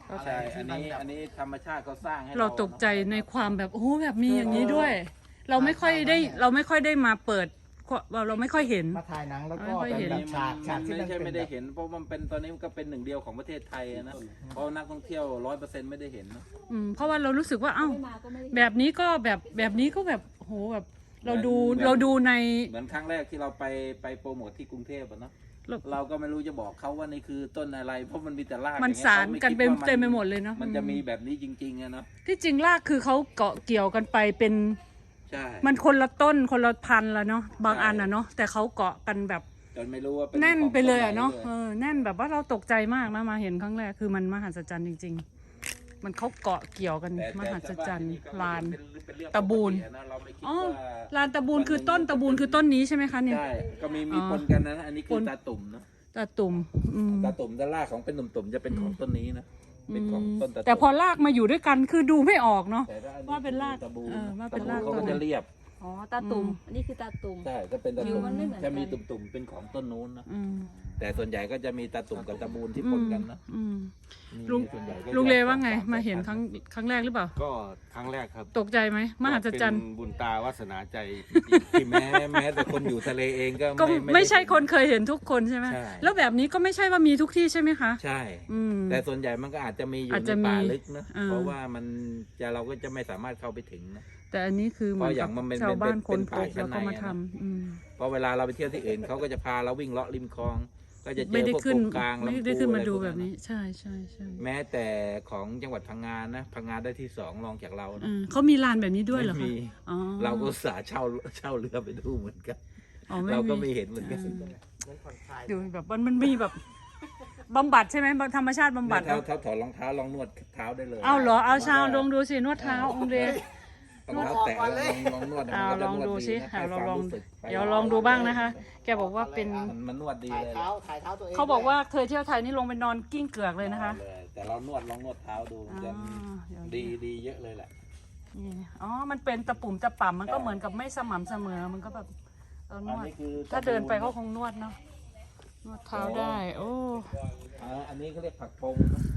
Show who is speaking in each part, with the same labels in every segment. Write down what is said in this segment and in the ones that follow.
Speaker 1: ใช่ อันนี้ธรรมชาติเขาสร้างให้
Speaker 2: เราตกใจในความแบบโอ้แบบมีอย่างนี้ด้วย เราไม่ค่อยได้มาเปิดเราไม่ค่อยเห็น
Speaker 3: มาถ่ายหนังแล้วก็
Speaker 2: ไม่ค่อย
Speaker 3: เป็น
Speaker 2: เห็น
Speaker 3: แบบฉากที่
Speaker 1: ไม่
Speaker 3: มัน
Speaker 1: ใช่
Speaker 3: เป็น
Speaker 1: ไม่
Speaker 3: แบ
Speaker 1: ได้
Speaker 3: บ
Speaker 1: เห็น เพราะมันเป็นตอนนี้มันก็เป็นหนึ่งเดียวของประเทศไทยนะเพราะนักท่องเที่ยว100%ไม่ได้เห็นนะ
Speaker 2: เพราะว่าเรารู้สึกว่าเอ้า
Speaker 4: ไม่มาก็ไม่ได้
Speaker 2: แบบนี้ก็แบบนี้ก็แบบโหแบบเราดูใน
Speaker 1: เหมือนครั้งแรกที่เราไปโปรโมทที่กรุงเทพอะเนาะ
Speaker 2: เรา
Speaker 1: เราก็ไม่รู้จะบอกเขาว่านี่คือต้นอะไร เพราะมันมีแต่ราก
Speaker 2: มัน
Speaker 1: อย่งเงี้ย
Speaker 2: สารกัน
Speaker 1: ขาคิว่า
Speaker 2: เต็มไปหมดเลยเนาะ
Speaker 1: มันจะมีแบบนี้จริงๆอะเนาะ
Speaker 2: ที่จริงรากคือเขาเกาะเกี่ยวกันไปเป็น
Speaker 1: ใช่
Speaker 2: มันคนละต้นคนละพันธุ์ละเนาะบางอันอะเนาะแต่เขาเกาะกันแบบ
Speaker 1: จนไม่รู้ว่าเป็น
Speaker 2: แน่นไปเลยอะ
Speaker 1: ขง
Speaker 2: เนาะ
Speaker 1: ต้ไหลย
Speaker 2: แน่นแบบว่าเราตกใจมากนะมาเห็นครั้งแรกคือมันมหัศจรรย์จริง ๆ มันเขาเกาะเกี่ยวกัน
Speaker 1: แต่
Speaker 2: มหัศจรรย์
Speaker 1: แต่
Speaker 2: ลาน
Speaker 1: เป็นเรื่อง
Speaker 2: ตะบูน
Speaker 1: ปกตินะเราไม่คิด
Speaker 2: อ๋อ
Speaker 1: ว่า
Speaker 2: ลานตะบูนคือต้นตะบูนคือต้นนี้ใช่ไหมคะเนี่ย
Speaker 1: ใช่ก็มี
Speaker 2: อ๋อ
Speaker 1: ปนกันนะอันนี้คื
Speaker 2: ป
Speaker 1: อน ตาตุ่มนะ
Speaker 2: ตาตุ่มม
Speaker 1: ตาตุ่มด้านล่างของเป็นตุ่มๆจะเป็นของต้นนี้นะเป็นของต้นตาตุ่ม
Speaker 2: แต่พอลากมาอยู่ด้วยกันคือดูไม่ออกเนาะ
Speaker 1: แต่ถ้อั
Speaker 2: ว่าเป็นราก
Speaker 1: ตะบูน
Speaker 2: ว่าเป็นราก
Speaker 1: ตะบูเขา
Speaker 2: ต้
Speaker 1: ก็
Speaker 2: น
Speaker 1: จะเรียบ
Speaker 4: อ๋อตาตุ่มอันนี้คือตาตุ่ม
Speaker 1: ใช่ก็เป็นตา
Speaker 4: ผิ
Speaker 1: ตุ่
Speaker 4: ว
Speaker 1: ม
Speaker 4: มันไม่เหมือนกัน
Speaker 1: จะมีตุ่มๆเป็นของต้นนู้นนะ
Speaker 2: อืม
Speaker 1: แต่ส่วนใหญ่ก็จะมีตาตุ่มกับตะบูนที่ปนกันนะ
Speaker 2: อืม
Speaker 1: มี
Speaker 2: ลุง
Speaker 1: ส่วนใหญ่ก็
Speaker 2: ลุงเลว่าไง
Speaker 1: จะ
Speaker 2: มาเห็นครั้งแรกหรือเปล่า
Speaker 5: ก็ครั้งแรกครับ
Speaker 2: ตกใจไหมมหัศจรรย์
Speaker 5: เป็นบุญตาวาสนาใจ
Speaker 1: ที่แม้แต่คนอยู่ทะเลเองก็
Speaker 2: ก็ไม่ใช่
Speaker 1: ด้
Speaker 2: คนเคยเห็นทุกคนใช่ไหม
Speaker 1: ใช่
Speaker 2: แล้วแบบนี้ก็ไม่ใช่ว่ามีทุกที่ใช่ไหมคะ
Speaker 1: ใช่
Speaker 2: อืม
Speaker 1: แต่ส่วนใหญ่มันก็อาจจะมีอยู่
Speaker 2: อาจ
Speaker 1: ใน
Speaker 2: จะมี
Speaker 1: ป่าลึกนะ
Speaker 2: เออ
Speaker 1: เพราะว่ามันจะเราก็จะไม่สามารถเข้าไปถึงนะ
Speaker 2: แต่อันนี้คือเหมือน
Speaker 1: เพราะอ
Speaker 2: กั
Speaker 1: ย่า
Speaker 2: บ
Speaker 1: งมันเป็น
Speaker 2: ชาวบ้าน
Speaker 1: เป็น
Speaker 2: คนพ
Speaker 1: ป่า
Speaker 2: บ
Speaker 1: ชั้
Speaker 2: แล้ว
Speaker 1: น
Speaker 2: ก็
Speaker 1: ใน
Speaker 2: มา
Speaker 1: อะนะ
Speaker 2: ทำ
Speaker 1: เพราะเวลาเราไปเที่ยวที่อื่นเขาก็จะพาเราวิ่งเลาะริมคลอง ก็จะเจ
Speaker 2: ไม่
Speaker 1: อ
Speaker 2: ได้
Speaker 1: พวก
Speaker 2: ขึ้น
Speaker 1: กบกลาง
Speaker 2: ไม่
Speaker 1: ลำ
Speaker 2: ได้
Speaker 1: พู
Speaker 2: ขึ้น
Speaker 1: อะ
Speaker 2: มา
Speaker 1: ไร
Speaker 2: ดู
Speaker 1: พวก
Speaker 2: แบ
Speaker 1: นั้น
Speaker 2: บ
Speaker 1: นะ
Speaker 2: นี้ใช่ใช่ใช่
Speaker 1: แม้แต่ของจังหวัดพังงานะพังงาได้ที่2รองจากเรานะ
Speaker 2: เขามีลานแบบนี้ด้วยเหรอ
Speaker 1: ไม่
Speaker 2: คะ
Speaker 1: มี
Speaker 2: อ๋อ
Speaker 1: เราก็อุตสาห์เช่าเรือไปดูเหมือนกัน
Speaker 2: อ๋อ
Speaker 1: เราก็ไม่เห็นเหมือนกัน
Speaker 2: ดูแบบมันมีแบบบำบัดใช่ไหไหมธรรมชาติบำบัด
Speaker 1: เท้าถอดรองเท้าลองนวดเท้าได้เลย
Speaker 2: เอาเหรอเอาชาวลองดูสินวดเท้าองค์เดช
Speaker 1: รองเท้าแตะลองนวด
Speaker 2: เอา
Speaker 1: มันก็
Speaker 2: ล
Speaker 1: จะ
Speaker 2: อง
Speaker 1: นว
Speaker 2: ดู
Speaker 1: ดี
Speaker 2: สิ
Speaker 1: นะ
Speaker 2: เอา
Speaker 1: ให้
Speaker 2: เรา
Speaker 1: ความ
Speaker 2: ลอง
Speaker 1: รู้สึกไป
Speaker 2: เดี๋ยวลองดูบ้างนะคะ แกบอกว่าเป็น
Speaker 1: มันนวดดี
Speaker 3: ถ่าย
Speaker 1: เลย
Speaker 3: เท้าถ่ายเท้าตัวเอง
Speaker 2: เขาบอกว่าเคยเที่ยวไทยนี่ลงไปนอนกิ้งเกือกเลยนะคะ
Speaker 1: เลยแต่เราลองนวดเท้าดูมันจะ
Speaker 2: เดี๋ยว
Speaker 1: ดีเยอะเลยแหละ
Speaker 2: นี่อ๋อมันเป็นตะปุ่มตะป่ำมันก็เหมือนกับไม่สม่ำเสมอมันก็แบบน
Speaker 1: อัน
Speaker 2: วด
Speaker 1: นี้คือ
Speaker 2: ถ้าเดินไปก็คงนวดเนาะนวดเท้าได้ โอ้
Speaker 1: อันนี้เขาเรียกผักปงนะ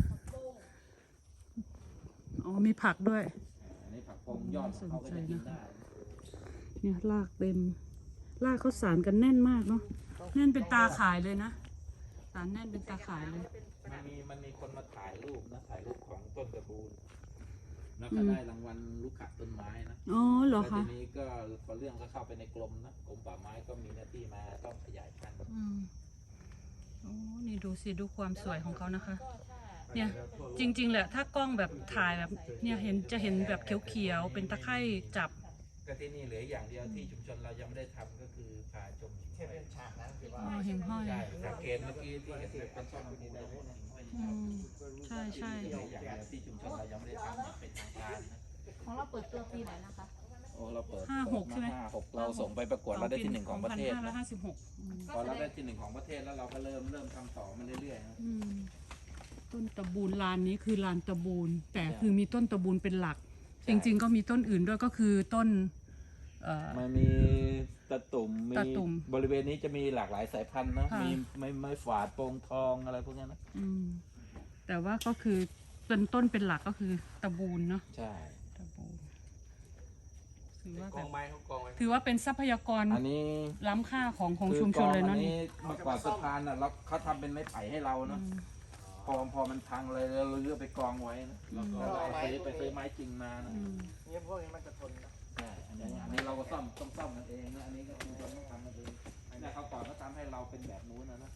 Speaker 2: อ๋อมีผักด้วย
Speaker 1: อันนี้ผักปงยอดของเขาก็จะกินได้
Speaker 2: เนี่ยรากเต็มรากเขาสารกันแน่นมากเนาะแน่นเป็นตาข่ายเลยนะสารแน่นเป็นตาข่ายเลย
Speaker 1: มันมีคนมาถ่ายรูปนะถ่ายรูปของต้นตะบูนแล้วก็ได้รางวัลลูกขะต้นไม้นะ
Speaker 2: อ๋อเหรอ
Speaker 1: แล้วที
Speaker 2: คะ
Speaker 1: นี้ก็พอเรื่องก็เข้าไปในกรมนะกรมป่าไม้ก็มีหน้าที่มาต้องขยายพันธุ์
Speaker 2: อืมโอ้นี่ดูสิดูความสวยของเขานะคะ เนี่ยจริงๆแหละถ้ากล้องแบบถ่ายแบบเนี่ยจะเห็นแบบเขียวๆเป็นตะไคร่จับ
Speaker 1: ก็ที่นี่เหลืออย่างเดียวที่ชุมชนเรายังไม่ได้ทำก็คือพาชมหิ่งห้อย
Speaker 3: ฉากนั้นคือว่า
Speaker 2: อ๋อหิ่งห้อย
Speaker 1: ใช่สังเกตเมื่อกี้ที่เห็นเป็นต้นลำพูตรงนู้นหิ่งห้อย
Speaker 2: อืมใช่ใช่
Speaker 1: เหลืออย่างเดียวที่ชุมชนเรายังไม่ได้ทำอย่างเป็นทางการนะ
Speaker 4: ของเราเปิดตัวปีไหนนะคะ
Speaker 1: โอ้เราเปิด
Speaker 2: 56ใช่ไหม
Speaker 1: 56เราส่งไปประกวดเราได้ที่ 1ของประเทศนะ
Speaker 2: 2556
Speaker 1: พอเราได้ที่ 1ของประเทศแล้วเราก็เริ่มทำต่อมาเรื่อยๆนะ
Speaker 2: ต้นตะบูนลานนี้คือลานตะบูนแต่
Speaker 1: ใช่
Speaker 2: คือมีต้นตะบูนเป็นหลัก
Speaker 1: ใช่
Speaker 2: จริงๆก็มีต้นอื่นด้วยก็คือต้น
Speaker 1: มันมีตะตุ่มมี
Speaker 2: ตะตุ่ม
Speaker 1: บริเวณนี้จะมีหลากหลายสายพันธุ์นะ
Speaker 2: ค่ะ
Speaker 1: มีไม้ฝาดโปงทองอะไรพวกนี้นะ
Speaker 2: แต่ว่าก็คือเป็นต้นเป็นหลักก็คือตะบูนเนาะ
Speaker 1: ใช่
Speaker 2: ตะบูนถือว่า
Speaker 5: ก
Speaker 2: แบ
Speaker 5: อง
Speaker 2: บ
Speaker 5: ไม้เขากองไว้
Speaker 2: ถือว่าเป็นทรัพยากร
Speaker 1: อันนี้
Speaker 2: ล้ำค่าของ
Speaker 1: คือ
Speaker 2: ชุมชนเลย
Speaker 1: กอง
Speaker 2: เนาะ
Speaker 1: อั
Speaker 2: นี่
Speaker 1: เมื่อก่อนสะพานอ่ะเราเขาทำเป็นไม้ไผ่ให้เรานะพอมันพังเลยเราเลือกไปกองไว้นะแล้วก็ไปซื้อไม้จริงมานะ
Speaker 3: เนี่ยพวกนี้มันจะทนนะ
Speaker 1: ใช่อันนี้เราก็ต้องซ่อมกันเองนะอันนี้ก็ชุมชนต้องทำกันเองแต่เขาก่อนเขาทำให้เราเป็นแบบนู้นนะ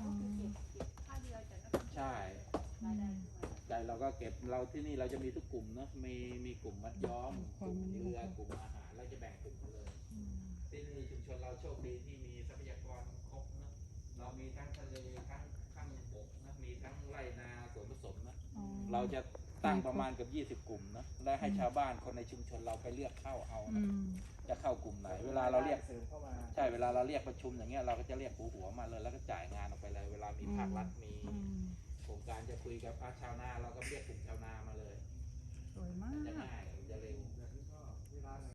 Speaker 1: ใช่ใจเราก็เก็บเราที่นี่เราจะมีทุกกลุ่มนะมีกลุ่มมัดย้อมกลุ่มเรือกลุ่มอาหารเราจะแบ่งกลุ่มกันเลยที่นี่ชุมชนเราโชคดีที่มีทรัพยากรครบนะเรามีทั้งทะเลทั้งข้างบกนะมีทั้งไร่นาสวนผสมนะเราจะตั้งประมาณเกับ20 กลุ่มนะและให้ชาวบ้านคนในชุมชนเราไปเลือกเข้าเอานะจะเข้ากลุ่มไหนเวลาเราเรียก
Speaker 3: เสริมเข้ามา
Speaker 1: ใช่เวลาเราเรียกประชุมอย่างเงี้ยเราก็จะเรียกหัวมาเลยแล้วก็จ่ายงานออกไปเลย เวลามีภาครัฐมีโครงการจะคุยกับภาคชาวนาเราก็เรียกกลุ่มชาวนามาเลย
Speaker 2: สวยมา
Speaker 1: จะ
Speaker 2: ก
Speaker 1: ง่ายจะเร็ว